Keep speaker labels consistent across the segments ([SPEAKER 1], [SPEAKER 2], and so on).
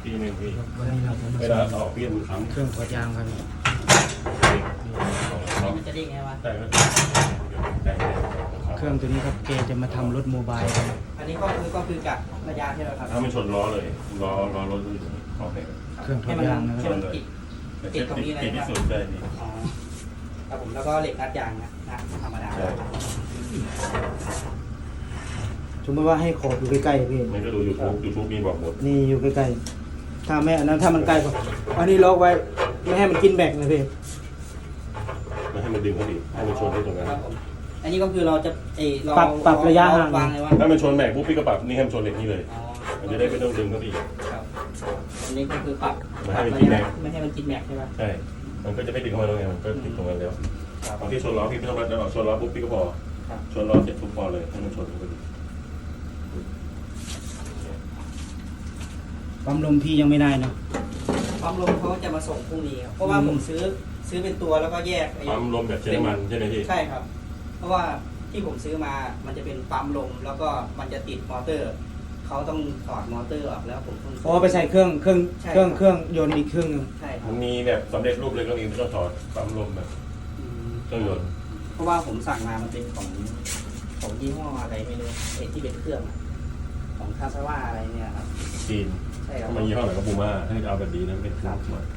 [SPEAKER 1] ปีหนึ่งปี
[SPEAKER 2] วันนี้เราจะมา
[SPEAKER 1] เวลาออกเปลี่ยนครั้ง
[SPEAKER 2] เครื่องถอดยางครับ
[SPEAKER 3] มันจะได้ไงวะ
[SPEAKER 1] แต่ก็
[SPEAKER 2] เครื่องตัวนี้ครับเกจะมาทำรถโมบายครับ
[SPEAKER 3] อันนี้ก็คือกับระยะใช่ไหมครับ
[SPEAKER 1] ถ้ามันชนล้อเลยล้อรถออกเลย
[SPEAKER 2] เครื่องถอ
[SPEAKER 3] ให้
[SPEAKER 2] ด
[SPEAKER 3] มัน
[SPEAKER 2] ยางนะค
[SPEAKER 3] ให้
[SPEAKER 2] รับ
[SPEAKER 3] มันติดตรงนี้เลย
[SPEAKER 1] ติดที่
[SPEAKER 3] นะ
[SPEAKER 1] สุดได้ดี
[SPEAKER 3] อ๋อครับผมแล้วก็เหล็กรัดยางนะธรรมดา
[SPEAKER 1] ใช่
[SPEAKER 2] สมมติว่าให้ขอบอยู่ใกล้ๆพี่
[SPEAKER 1] มันก็ดูยูทูบมีบอกหมด
[SPEAKER 2] นี่อยู่ใกล้ๆถ้าไม่อันนั้นถ้ามันใกล้กว่าอันนี้ล็อกไว้ไม่ให้มันกินแบกนะพี่
[SPEAKER 1] ไม่ให้มันดึงเขาดิให้มันชนที่ตรงนั้น
[SPEAKER 3] ครับผมอันนี้ก็คือเราจะเรา
[SPEAKER 2] ปรับระยะห่าง
[SPEAKER 3] วางเลยว่า
[SPEAKER 1] ถ้ามันชนแบกปุ๊บพี่ก็ปรับนี่ให้มันชนเหล็กนี่เลย
[SPEAKER 3] อ๋อ
[SPEAKER 1] มันจะได้ไม่ต้องดึงเขาดิ
[SPEAKER 3] ครับอันนี้ก็คือปรับ
[SPEAKER 1] ไม่ให้มันกินแม็ก
[SPEAKER 3] ไม่ให้มันกินแม็กใช่ไหม
[SPEAKER 1] ใช่ มันก็จะไม่ดึงเข้ามาตรงนี้มันก็ติดตรงนั้นแล้วบางที่ชนล้อพี่ไม่ต้องรัดออกชนล้อปุ๊บพี่ก็พอชนล้อเสร็จปุ๊บพอเลยให้มันชนก็ดี
[SPEAKER 2] ปั๊มลมพี่ยังไม่ได้เนาะ
[SPEAKER 3] ปั๊มลมเขาจะมาส่งพรุ่งนี้ครับเพราะว่าผมซื้อเป็นตัวแล้วก็แยกไอ้
[SPEAKER 1] ปั๊มลมแบบใช้น้ำมันใช่ไหมพี่
[SPEAKER 3] ใช่ครับ เพราะว่าที่ผมซื้อมามันจะเป็นปั๊มลมแล้วก็มันจะติดมอเตอร์เขาต้องถอดมอเตอร์ออกแล้วผมต้อง
[SPEAKER 2] อ๋อไปใส่เครื่อง
[SPEAKER 3] ใช่
[SPEAKER 2] เครื่องยนต์อีกเครื่องหนึง
[SPEAKER 3] ใช่ครับ
[SPEAKER 1] มันมีแบบสำเร็จรูปเลยก็มีไม่ต้องถอดปั๊มลมแบบ
[SPEAKER 3] อืม
[SPEAKER 1] เครื่องยนต์
[SPEAKER 3] เพราะว่าผมสั่งมามันเป็นของยี่ห้ออะไรไม่รู้ไอ้ที่เป็นเครื่องอะของคาซาว่าอะไรเนี่ยครับ
[SPEAKER 1] จีน
[SPEAKER 3] ใช่ครับ
[SPEAKER 1] ถ้ามันยี่ห้อไหนก็บูม่าถ้าจะเอาแบบดีนะเป็นเครื่องหมด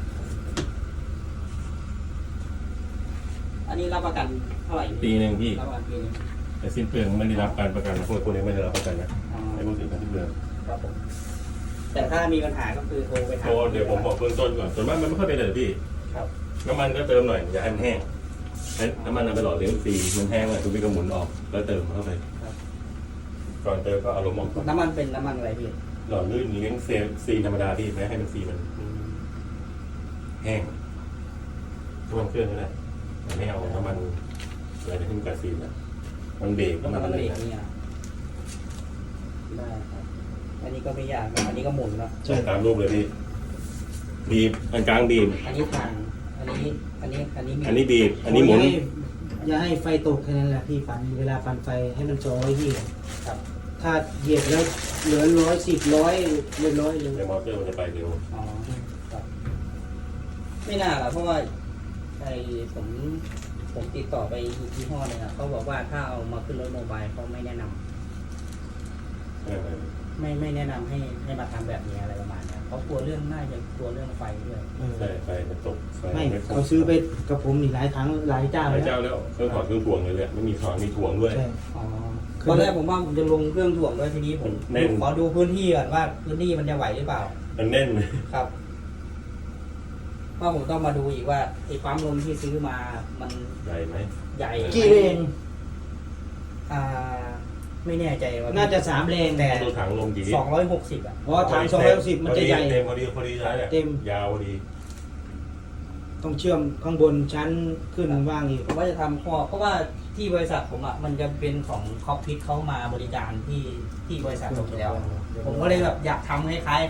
[SPEAKER 3] อันนี้รับประกันเท่าไหร่
[SPEAKER 1] ปีหนึ่งพี่
[SPEAKER 3] รับประกันปีนึง
[SPEAKER 1] แต่สิ้นเปลืองไม่ได้รับการประกันพวกนี้ไม่ได้รับประกันนะ
[SPEAKER 3] อ๋อ
[SPEAKER 1] ไอ้พวกสินค้าสิ้นเปลือง
[SPEAKER 3] ครับผมแต่ถ้ามีปัญหาก็คือโทรไปถาม
[SPEAKER 1] โอ้เดี๋ยวผมบอกเบื้องต้นก่อนส่วนมากมันไม่ค่อยเป็นเลยพี่
[SPEAKER 3] ครับ
[SPEAKER 1] น้ำมันก็เติมหน่อยอย่าให้มันแห้งให้น้ำมันเอาไปหล่อเลี้ยงฟรีมันแห้งเลยคุณพี่ก็หมุนออกแล้วเติมเข้าไป
[SPEAKER 3] ครับ
[SPEAKER 1] ก่อนเติมก็เอาลมออกก่อน
[SPEAKER 3] น้ำมันเป็นน้ำมันอะไรพี่
[SPEAKER 1] หล่อลื่นเลี้ยงเซลล์ซีนธรรมดาพี่ไม่ให้มันซีมันแห้งท่วมเครื่องก็ได้แต่ไม่เอาน้ำมันอะไรที่มันกับซีนนะมันเบรก
[SPEAKER 3] น้ำ
[SPEAKER 1] น้ำ
[SPEAKER 3] มั
[SPEAKER 1] มัน นอะไร
[SPEAKER 3] เบรก
[SPEAKER 1] นะ
[SPEAKER 3] เนี่ยได้ครับอันนี้ก็ไม่ยากนะอันนี้ก็หมุนแล้ว
[SPEAKER 1] ใช่ตามรูปเลยพี่บีบอันกลางบีบ
[SPEAKER 3] อันนี้ทางอันนี้มี
[SPEAKER 1] อันนี้บีบอันนี้หมุน
[SPEAKER 2] อย่าให้ไฟตกแค่นั้นแหละพี่ปั่นเวลาปั่นไฟให้มัน200ที่
[SPEAKER 3] ครับ
[SPEAKER 2] ถ้าเหยียบแล้วเหลือ110เรียบร้อยเลย
[SPEAKER 1] ในมอเตอร์มันจะไปเร็ว
[SPEAKER 3] อ๋อครับไม่น่าหรอกเพราะว่าไอ้ผมติดต่อไปอีกยี่ห้อหนึงอ่ะเขาบอกว่าถ้าเอามาขึ้นรถโมบายเขาไม่แนะนำไม่แนะนำให้มาทำแบบนี้อะไรประมาณเนี้ยเขากลัวเรื่องน่าจะกลัวเรื่องไฟด้วย
[SPEAKER 1] ใช่ไฟมันตกไฟ
[SPEAKER 2] ไม่
[SPEAKER 1] ครบ
[SPEAKER 2] เขาซื้อไปกับผมนี่หลายครั้งหลายเจ้า
[SPEAKER 1] หลาย
[SPEAKER 2] แล้
[SPEAKER 1] เจ้าว แล้วเครื่องถอดเครื่องถ่วงเลยไม่มีถอดมีถ่วงด้วย
[SPEAKER 2] ใช่
[SPEAKER 3] อ๋อตอนแรกผมว่าผมจะลงเครื่องถ่วงด้วยทีนี้ผม
[SPEAKER 1] แน่น
[SPEAKER 3] ขอดูพื้นที่ก่อนว่าพื้นที่มันจะไหวหรือเปล่า
[SPEAKER 1] มันแน่นเลย
[SPEAKER 3] ครับเพราะผมต้องมาดูอีกว่าไอ้ปั๊มลมที่ซื้อมามัน
[SPEAKER 1] ใหญ่ไหม
[SPEAKER 3] ใหญ่
[SPEAKER 2] กี่เลน
[SPEAKER 3] อ่าไม่แน่ใจว่า
[SPEAKER 2] น่าจะ3เลนแต่
[SPEAKER 1] ดูถังลมกี่ลิตร
[SPEAKER 3] 260อ่ะ
[SPEAKER 2] เพราะว่าถัง210มันจะใหญ่
[SPEAKER 1] เต็มพอดีใช่ไหม
[SPEAKER 2] เต็ม
[SPEAKER 1] ยาวพอดี
[SPEAKER 2] ต้องเชื่อมข้างบนชั้นขึ้นว่างอีก
[SPEAKER 3] ผมว่าจะทำข้อเพราะว่าที่บริษัทผมอ่ะมันจะเป็นของคอปพิทเขามาบริการที่บริษัทผมอยู่แล้ว ผมก็เลยแบบอยากทำคล้ายๆ